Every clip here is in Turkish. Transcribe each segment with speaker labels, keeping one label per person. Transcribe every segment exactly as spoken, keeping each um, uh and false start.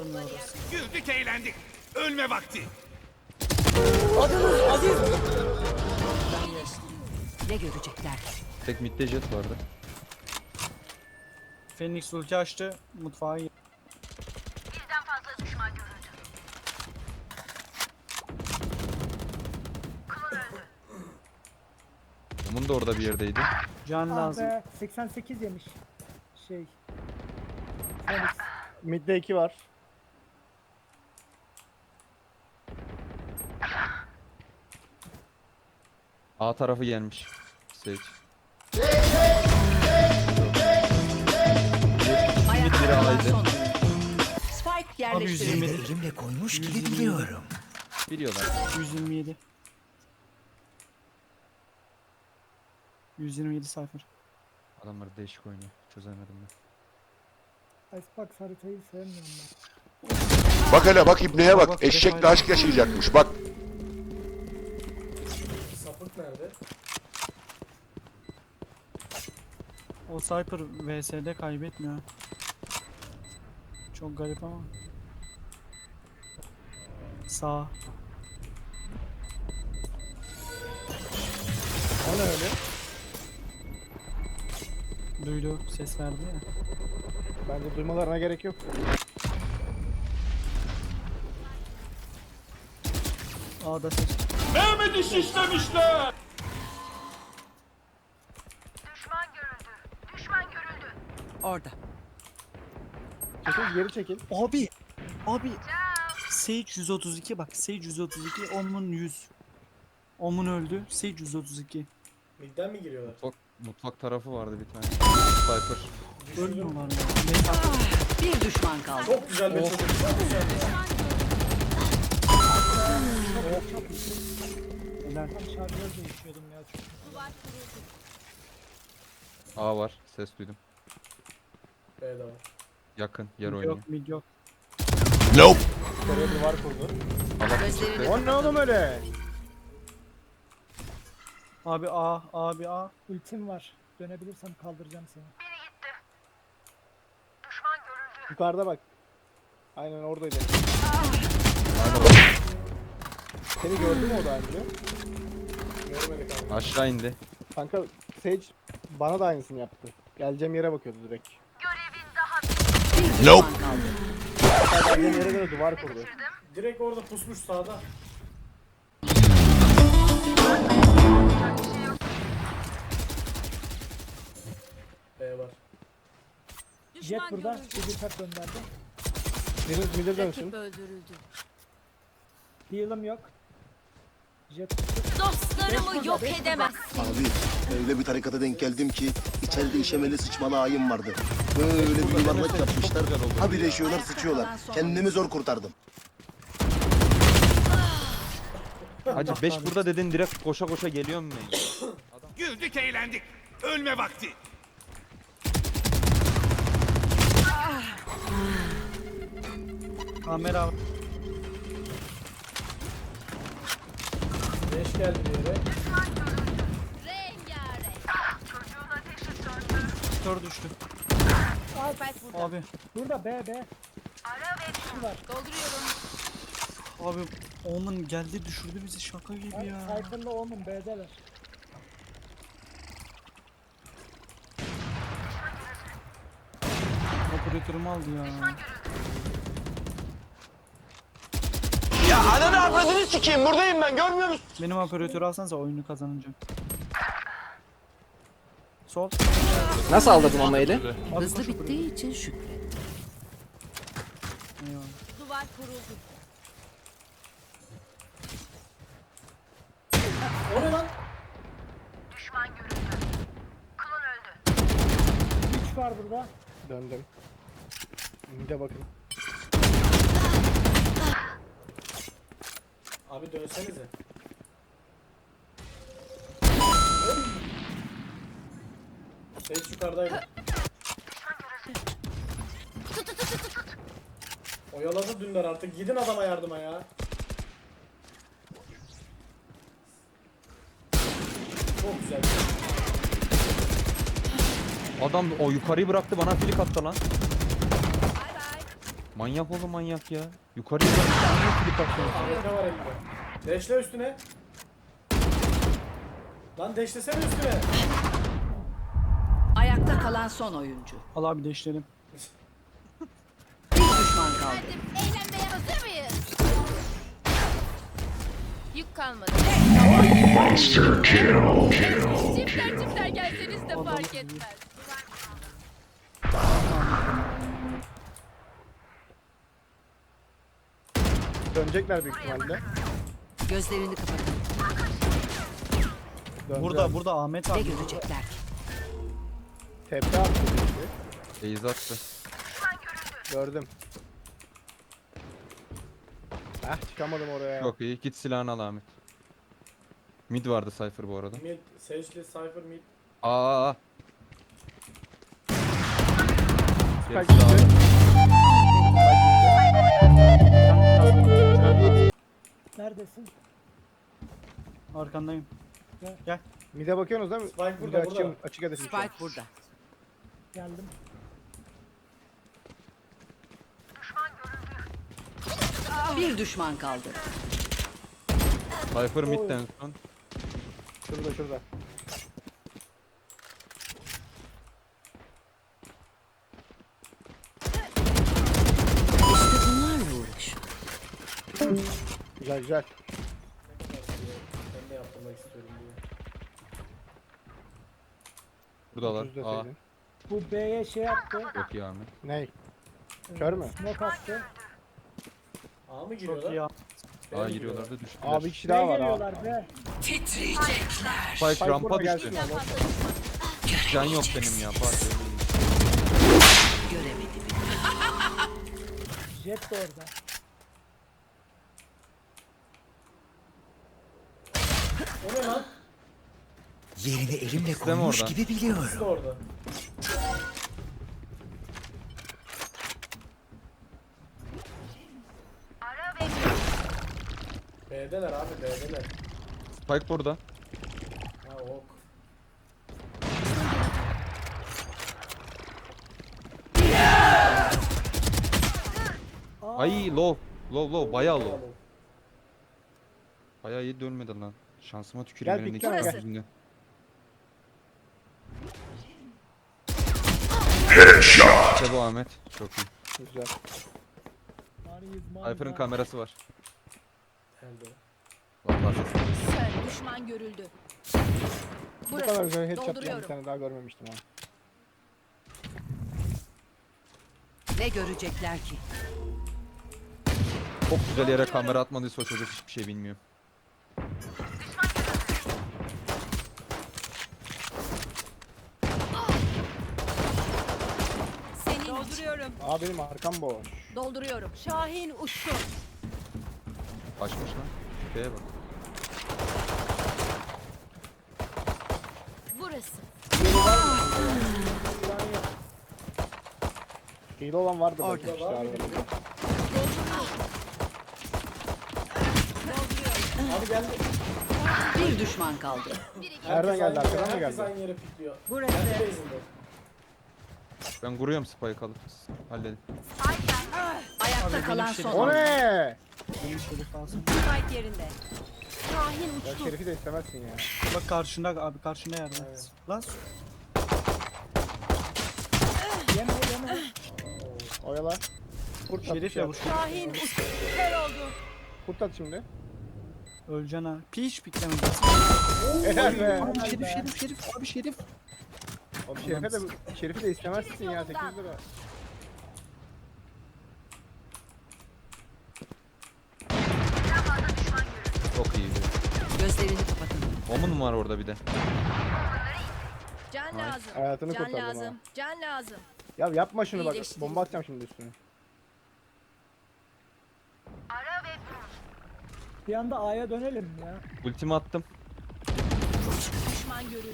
Speaker 1: Alınmıyor orası.
Speaker 2: Güldük eğlendik. Ölme vakti.
Speaker 1: Adınız Aziz.
Speaker 3: Ne görecekler?
Speaker 4: Tek midde jet vardı.
Speaker 1: Phoenix ulti açtı. Mutfağa girdi.
Speaker 5: Birden fazla düşman görüldü. Klon öldü.
Speaker 4: Onun da orada bir yerdeydi.
Speaker 1: Can
Speaker 6: Ah
Speaker 1: lazım.
Speaker 6: be, seksen sekiz yemiş. Şey. Phoenix. Mid'de iki var.
Speaker 4: A tarafı gelmiş. Sage.
Speaker 3: Ayakta
Speaker 4: biri
Speaker 3: kalan
Speaker 4: alaydı.
Speaker 3: son. Spike
Speaker 1: Abi
Speaker 3: yerleştirildi.
Speaker 1: yüz yirmi yedi.
Speaker 7: Elimle koymuş gibi
Speaker 1: yüz yirmi yedi.
Speaker 7: biliyorum.
Speaker 4: Biliyorlar.
Speaker 1: yüz yirmi yedi. yüz yirmi yedi sayfır.
Speaker 4: Adamlar değişik oynuyor. Çözemedim ben.
Speaker 6: Icebox haritayı sevmiyorum ben.
Speaker 8: Bak hele bak ibneye
Speaker 1: Bak,
Speaker 8: bak. Eşekle aşk yaşayacakmış bak.
Speaker 9: Sapık nerede?
Speaker 1: O Cypher V S'de kaybetmiyor. Çok garip ama. Sağ.
Speaker 6: O ne öyle?
Speaker 1: Duydu. Ses verdi ya.
Speaker 6: Bence duymalarına gerek yok.
Speaker 1: A'da ses.
Speaker 2: Mehmet'i şişlemişler.
Speaker 5: Düşman görüldü. Düşman görüldü.
Speaker 3: Orada.
Speaker 6: Çekil geri çekil.
Speaker 1: Abi. Abi. Sage yüz otuz iki bak. Sage yüz otuz iki. Omun yüz. Omun öldü. Sage yüz otuz iki.
Speaker 9: Midden mi giriyorlar?
Speaker 4: Mutfak, mutfak tarafı vardı bir tane. Sniper.
Speaker 1: Ölmüyorlar ya. Neyse.
Speaker 3: Bir düşman kaldı.
Speaker 9: Çok güzel bir çocuk. Çok güzel.
Speaker 1: Helal.
Speaker 6: Tam şarjör değişiyordum ya.
Speaker 4: A var. Ses duydum.
Speaker 9: B'de var.
Speaker 4: Yakın. Yer
Speaker 1: Mid
Speaker 4: oynuyor.
Speaker 1: yok, mid yok.
Speaker 6: Nereye duvar kurdu.
Speaker 3: Gözlerini
Speaker 6: O ne oğlum öyle?
Speaker 1: Abi A, abi A.
Speaker 6: Ultim var. Dönebilirsem kaldıracağım seni.
Speaker 5: Biri gitti. Düşman görüldü.
Speaker 6: Yukarıda bak. Aynen oradaydı. Seni gördü mü o daha önce?
Speaker 9: Görmedik abi.
Speaker 4: Aşağı indi.
Speaker 6: Kanka Sage bana da aynısını yaptı. Geleceğim yere bakıyordu direkt.
Speaker 5: Görevin daha
Speaker 3: bir düşman kaldı.
Speaker 6: Hatta geleceğim yere göre duvar kurdu.
Speaker 9: Direkt orada pusmuş sağda. B var.
Speaker 6: Jet burada. Bir tap gönderdi. Biriniz midir dönsün.
Speaker 5: öldürüldü.
Speaker 6: Heal'ım yok. Jet
Speaker 5: Dostlarımı yok edemez.
Speaker 10: Abi öyle bir tarikata denk geldim ki içeride işemeli sıçmalı ayım vardı. Böyle bir yuvarlak yapmışlar. Ha birleşiyorlar sıçıyorlar. Kendimi zor kurtardım.
Speaker 4: Hacı beş burada dedin direkt koşa koşa geliyor mu?
Speaker 2: Güldük eğlendik. Ölme vakti.
Speaker 1: Kamera var.
Speaker 9: Beş geldi bir yere.
Speaker 5: Çocuğun ateşi söndü.
Speaker 1: Kör düştü. Abi,
Speaker 6: burada B B.
Speaker 5: Ara ve dolduruyorum.
Speaker 1: abi Omen geldi düşürdü bizi şaka gibi ya.
Speaker 6: Cypher'la Omen B'deler.
Speaker 1: Operatörümü aldı ya.
Speaker 2: Ya ananı avradını sikeyim. Buradayım ben. Görmüyor musun?
Speaker 1: Benim operatörü alsanıza oyunu kazanacağım. Sol.
Speaker 7: Nasıl aldırdın ama eli?
Speaker 1: Abi
Speaker 3: Hızlı
Speaker 1: koş
Speaker 3: bittiği için şükret.
Speaker 1: operatörü. Eyvallah.
Speaker 5: Duvar kuruldu.
Speaker 9: O ne lan?
Speaker 5: Düşman görüldü. Klon öldü.
Speaker 6: üç var burada. Döndüm. Mid'e bakın.
Speaker 9: Abi dönsenize. Sage yukarıdaydı. Oyaladı dündar artık. Gidin adama yardıma ya. Çok güzel.
Speaker 4: Adam o yukarıyı bıraktı bana flick attı lan. Manyak oğlum manyak ya. Yukarıya bak. Manyak klip atıyorsun.
Speaker 9: Harika var elinde. Deşle üstüne. Lan deşlesene üstüne.
Speaker 3: Ayakta kalan son oyuncu.
Speaker 1: Al abi deşlerim.
Speaker 3: Bir düşman kaldı.
Speaker 5: Eğlenmeye hazır mıyız? Yük kalmadı. Çiftler çiftler gelseniz de fark etmez.
Speaker 6: Dönecekler büyük ihtimalle.
Speaker 3: Gözlerini kapatın.
Speaker 6: Döndüler.
Speaker 1: Burada burada Ahmet
Speaker 3: Ne
Speaker 1: abi.
Speaker 3: görecekler ki?
Speaker 6: Tepe attı. işte.
Speaker 4: Beyz attı.
Speaker 6: Gördüm. Ah çıkamadım oraya.
Speaker 4: Çok iyi. Git silahını al Ahmet. Mid vardı Cypher bu arada.
Speaker 9: Mid, Sage'li, Cypher mid.
Speaker 4: Aa. aa.
Speaker 6: Spike
Speaker 4: Gerisi
Speaker 6: gitti.
Speaker 4: daha-
Speaker 6: Neredesin?
Speaker 1: Arkandayım.
Speaker 6: Mid'e bakıyorsunuz değil mi?
Speaker 9: Spike
Speaker 6: Mid'e
Speaker 9: burada,
Speaker 6: açayım,
Speaker 9: burada.
Speaker 6: açık ateşim şu an.
Speaker 3: Spike burada.
Speaker 6: Geldim.
Speaker 3: Bir düşman kaldı.
Speaker 4: Cypher midden son.
Speaker 6: Şurada şurada.
Speaker 3: İşte bunlarla uğraş.
Speaker 6: Güzel güzel.
Speaker 9: Ben de yaptırmak istiyorum diye.
Speaker 4: Buradalar.
Speaker 6: Düz
Speaker 4: Aa.
Speaker 6: deseydin.
Speaker 11: Bu B'ye şey yaptı.
Speaker 4: Çok iyi Ahmet.
Speaker 6: Ney? Kör mü?
Speaker 11: Smoke attı.
Speaker 9: A mı
Speaker 1: Çok
Speaker 9: giriyorlar?
Speaker 1: iyi ya.
Speaker 4: Aa giriyorlar da düştüler.
Speaker 6: Abi bir kişi
Speaker 11: B
Speaker 6: daha var ha.
Speaker 11: geliyorlar B.
Speaker 3: Titriyecekler.
Speaker 4: Spike
Speaker 6: Spike
Speaker 4: rampa
Speaker 6: burada
Speaker 4: düştü.
Speaker 6: gelsin abi.
Speaker 4: Can yok benim ya. Pardon.
Speaker 3: Göremedim.
Speaker 11: Jet de orada.
Speaker 9: O ne lan?
Speaker 2: Yerini elimle
Speaker 4: İkisi de mi orada?
Speaker 2: biliyorum.
Speaker 9: İkisi de orada. B'deler abi B'deler.
Speaker 4: Spike burada.
Speaker 9: Ha ok.
Speaker 4: Ay low. Low low. Bayağı low.
Speaker 9: Bravo.
Speaker 4: Bayağı iyi dönmedi lan. Şansıma tüküreyim
Speaker 6: Gel,
Speaker 4: elimdeki
Speaker 6: pikleme,
Speaker 4: silah
Speaker 6: gel.
Speaker 4: yüzünden. İşte bu Ahmet. Çok iyi.
Speaker 6: Güzel.
Speaker 11: Maniyiz maniyiz.
Speaker 4: Cypher'ın kamerası var.
Speaker 9: Geldi.
Speaker 4: Vallahi ses.
Speaker 5: Sen düşman görüldü.
Speaker 6: Bu kadar güzel headshot bir
Speaker 5: Dolduruyorum.
Speaker 6: tane daha görmemiştim ha.
Speaker 3: Ne görecekler ki?
Speaker 4: Çok güzel yere kamera atmadıysa o çocuk hiçbir şey bilmiyor.
Speaker 5: Seni dolduruyorum.
Speaker 6: Aa benim arkam boş.
Speaker 5: Dolduruyorum. Şahin uçtu.
Speaker 4: Açmış lan. Şeye bak.
Speaker 5: Burası.
Speaker 6: Hile olan vardı belki işte
Speaker 9: var mı?
Speaker 6: abi.
Speaker 9: Abi geldi.
Speaker 3: Bir düşman kaldı.
Speaker 6: Nereden geldi,
Speaker 9: Herkes
Speaker 6: arkadan mı
Speaker 9: Herkes
Speaker 6: geldi?
Speaker 9: aynı yere pikliyor.
Speaker 3: Burası.
Speaker 9: Kendi base'inde.
Speaker 4: Ben kuruyorum spike alıp. Halledin.
Speaker 3: Ayakta kalan son
Speaker 6: O
Speaker 3: oyuncu.
Speaker 6: ne?
Speaker 1: Benim şerif alsın.
Speaker 5: Spike yerinde. Şahin
Speaker 6: Ya
Speaker 5: uçtu.
Speaker 6: Şerif'i de istemezsin ya.
Speaker 1: Bak karşında abi karşında yerde. Lan
Speaker 11: Yeme yeme.
Speaker 6: Oyala. Kurt at.
Speaker 1: Şerif ya bu.
Speaker 5: Şahin uçtu. Kör oldu.
Speaker 6: Kurt at şimdi.
Speaker 1: Öleceksin ha. Piş piklemedi.
Speaker 6: Helal be.
Speaker 1: Abi şerif şerif şerif abi şerif.
Speaker 6: Oğlum Şerif'e de, Şerif'i de istemezsin ya sekiz lira.
Speaker 4: Çok iyiydi.
Speaker 3: Gözlerini kapatın.
Speaker 4: Omun var orada bir de.
Speaker 5: Can lazım.
Speaker 6: Hayatını
Speaker 5: Can
Speaker 6: kurtardım ha.
Speaker 5: lazım. Can lazım.
Speaker 6: Ya yapma şunu bak.
Speaker 5: İyileşti.
Speaker 6: Bomba atacağım şimdi üstüne.
Speaker 11: Bir anda A'ya dönelim ya.
Speaker 4: Ultimi attım.
Speaker 5: Düşman görüldü.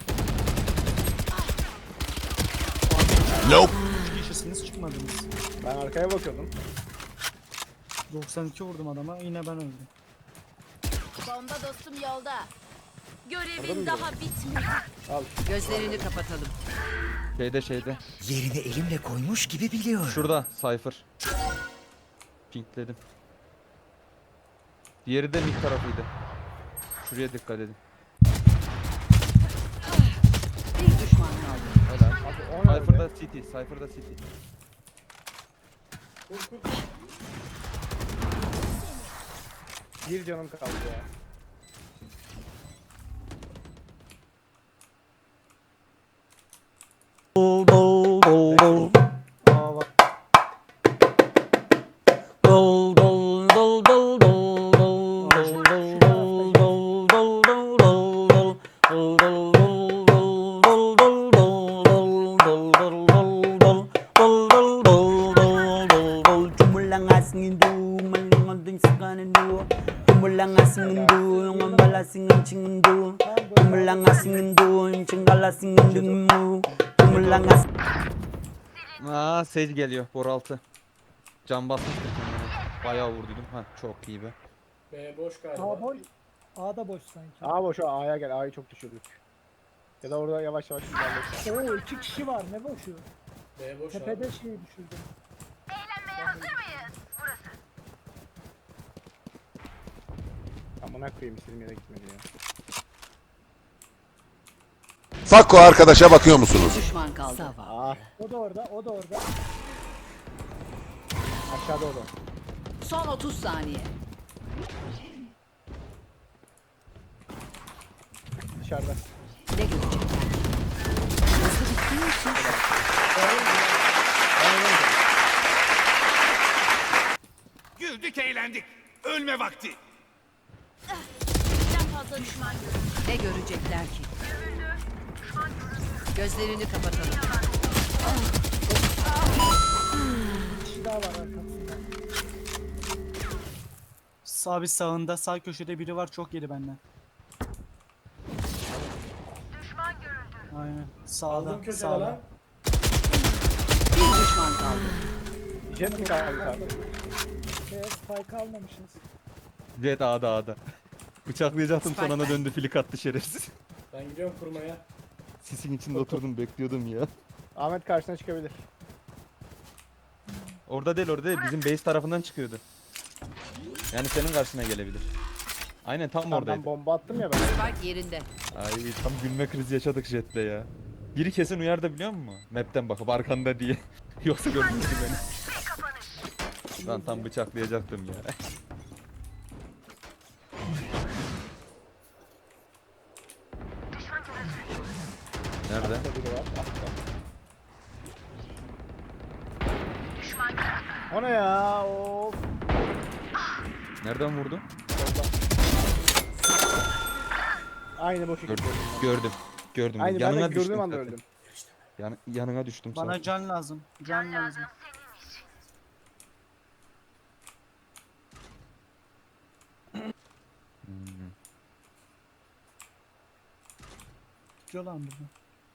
Speaker 1: üç kişisiniz çıkmadınız.
Speaker 6: Ben arkaya bakıyordum.
Speaker 1: doksan iki vurdum adama yine ben öldüm.
Speaker 5: Bomba dostum yolda.
Speaker 6: Orada
Speaker 5: Görevin
Speaker 6: mı
Speaker 5: daha bitmedi.
Speaker 6: Al.
Speaker 3: Gözlerini kapatalım.
Speaker 4: Şeyde şeyde.
Speaker 2: Yerini elimle koymuş gibi biliyorum.
Speaker 4: Şurada Cypher. Pinkledim. Diğeri de mid tarafıydı. Şuraya dikkat edin.
Speaker 3: Bir düşman kaldı.
Speaker 4: Helal.
Speaker 6: Abi o ne
Speaker 4: Cypher'da
Speaker 6: öyle?
Speaker 4: City, Cypher'da City.
Speaker 9: Kur kur.
Speaker 6: Bir canım kaldı ya. Aa bak.
Speaker 4: Aa Sage geliyor. Bor altı. Can basmıştı kendine. Bayağı vurduydum. Ha çok iyi be.
Speaker 9: B boş galiba.
Speaker 11: A boş. A da boş sanki.
Speaker 6: A boş o A'ya gel. A'yı çok düşürdük. Ya da orada yavaş yavaş ilerlesin.
Speaker 11: Oo iki kişi var ne boşu.
Speaker 9: B boş abi.
Speaker 11: Tepede şey düşürdüm.
Speaker 6: Amına koyayım istediğim yere gitmedi ya.
Speaker 8: Fakko arkadaşa bakıyor musunuz?
Speaker 3: Bir düşman kaldı.
Speaker 6: Aa
Speaker 11: O da orada, o da orada.
Speaker 6: aşağıda o da.
Speaker 3: Son otuz saniye.
Speaker 6: Dışarıda.
Speaker 3: Ne görecekler? Hızlı bittiği için
Speaker 2: Güldük eğlendik. Ölme vakti.
Speaker 5: Birden fazla düşman görüldü.
Speaker 3: ne görecekler ki? Gözlerini kapatalım.
Speaker 11: Bir kişi daha var arkasında.
Speaker 1: Sağ bir sağında, sağ köşede biri var, çok yedi benden. Aynen. Sağda,
Speaker 9: Aldım köşede
Speaker 1: sağda.
Speaker 9: lan.
Speaker 3: Bir düşman kaldı.
Speaker 6: Jet mi kaldı abi?
Speaker 11: Şey, spike almamışız.
Speaker 4: Jet A'da A'da. Bıçaklayacaktım son
Speaker 3: Spike
Speaker 4: anda
Speaker 3: ben.
Speaker 4: döndü flik attı şerefsiz.
Speaker 9: Ben gidiyorum kurmaya.
Speaker 4: Sisin içinde oturdum bekliyordum ya.
Speaker 6: Ahmet karşına çıkabilir.
Speaker 4: Orada değil orada değil bizim base tarafından çıkıyordu. Yani senin karşına gelebilir. Aynen tam
Speaker 6: Tamam,
Speaker 4: oradaydı.
Speaker 6: ben bomba attım ya ben.
Speaker 3: Spike yerinde.
Speaker 4: Ay tam gülme krizi yaşadık Jet'le ya. Biri kesin uyar da biliyor musun? Map'ten bakıp arkanda diye. Yoksa görmüştü beni. Ben tam bıçaklayacaktım ya. Nerede?
Speaker 6: Altta biri var. Altta. O ne ya? Of.
Speaker 4: Nereden vurdu?
Speaker 6: Aynı boşu
Speaker 4: Gördüm.
Speaker 6: gidiyorum.
Speaker 4: Gördüm. Gördüm.
Speaker 6: Aynı ben
Speaker 4: yanına
Speaker 6: de
Speaker 4: düştüm.
Speaker 6: gördüğüm anda
Speaker 4: zaten.
Speaker 6: öldüm.
Speaker 4: Yan, yanına düştüm
Speaker 1: Bana
Speaker 4: zaten.
Speaker 1: can lazım, can lazım.
Speaker 4: Hmm.
Speaker 1: Tutuyor lan burada.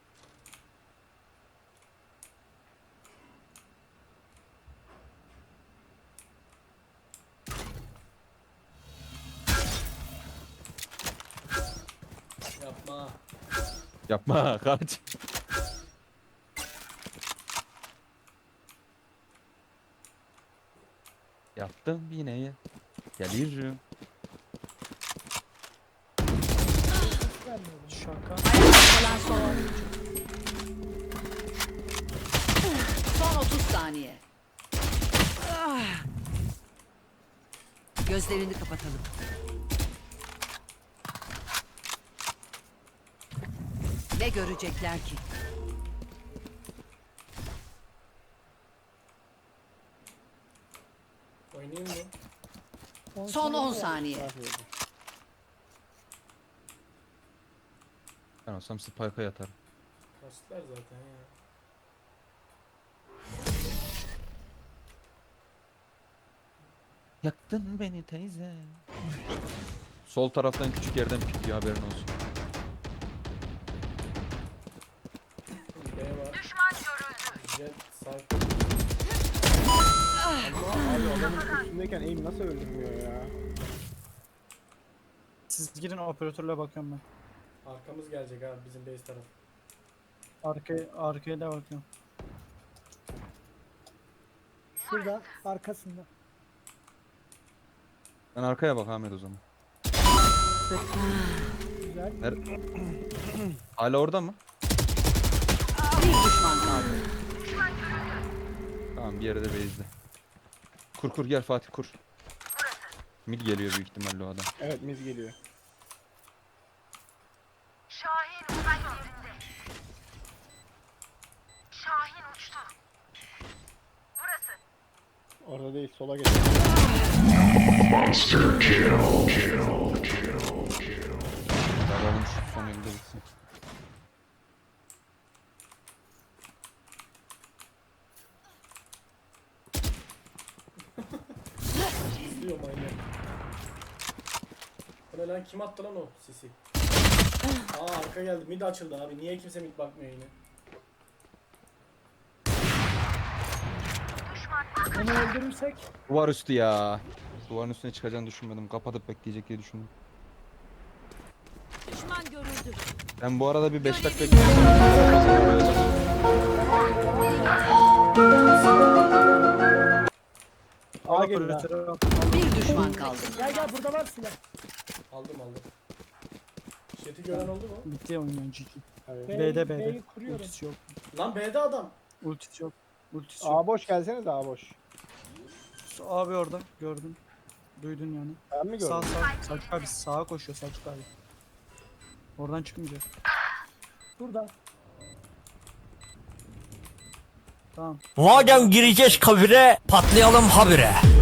Speaker 9: Yapma.
Speaker 4: Yapma kaç. Yaptım yine ya. Gelirim.
Speaker 11: Vermiyorum.
Speaker 1: Şaka.
Speaker 3: Ayakta kalan son oyuncu. Son otuz saniye. Ah. Gözlerini kapatalım. Ne görecekler ki?
Speaker 9: Oynayayım mı?
Speaker 3: Son on saniye.
Speaker 4: Ben olsam Spike'a yatarım.
Speaker 9: Kaçtılar zaten ya.
Speaker 4: Yaktın beni teyze. Sol taraftan küçük yerden pikliyor haberin olsun.
Speaker 9: B var. Düşman görüldü. Jet sağ.
Speaker 6: Abi adamın üstündeyken aim nasıl öldürmüyor ya?
Speaker 1: Siz girin, operatörle bakıyorum ben.
Speaker 9: Arkamız gelecek abi bizim base taraf.
Speaker 1: Arkaya, arkaya da bakıyorum.
Speaker 11: Şurada, arkasında.
Speaker 4: Ben arkaya bak Ahmet o zaman.
Speaker 11: Güzel.
Speaker 4: Ner- Hala orada mı?
Speaker 3: Bir düşman kaldı.
Speaker 4: Tamam bir yerde base'de. Kur kur gel Fatih kur. Mid geliyor büyük ihtimalle o adam.
Speaker 6: Evet mid geliyor. Orada değil sola geliyor.
Speaker 4: Alalım şu son elde bitsin.
Speaker 9: İzliyorum aynı. O ne lan, kim attı lan o sisi? Aa arka geldi, mid açıldı abi. Niye kimse mid bakmıyor yine?
Speaker 11: Onu öldürürsek
Speaker 4: Duvar üstü ya. Duvarın üstüne çıkacağını düşünmedim. Kapatıp bekleyecek diye düşündüm.
Speaker 5: Düşman görüldü.
Speaker 4: Ben bu arada bir beş dakika
Speaker 6: A gelin ha.
Speaker 3: Bir düşman kaldı.
Speaker 11: gel gel burada var silah.
Speaker 9: Aldım aldım. Jet'i gören oldu mu?
Speaker 1: Bitti oyun G G.
Speaker 6: Evet.
Speaker 1: B'de B'de.
Speaker 11: B'yi kuruyorum.
Speaker 1: Ultisi yok.
Speaker 9: Lan B'de adam.
Speaker 1: Ultisi yok. Ultisi yok.
Speaker 6: A boş gelsene de A boş.
Speaker 1: Abi orada gördüm. Duydun yani.
Speaker 6: Ben mi gördüm?
Speaker 1: Sağ sağ. Selçuk abi sağa koşuyor Selçuk abi. Oradan çıkınca.
Speaker 11: Burada.
Speaker 1: Tamam.
Speaker 2: Madem gireceğiz kabire patlayalım habire.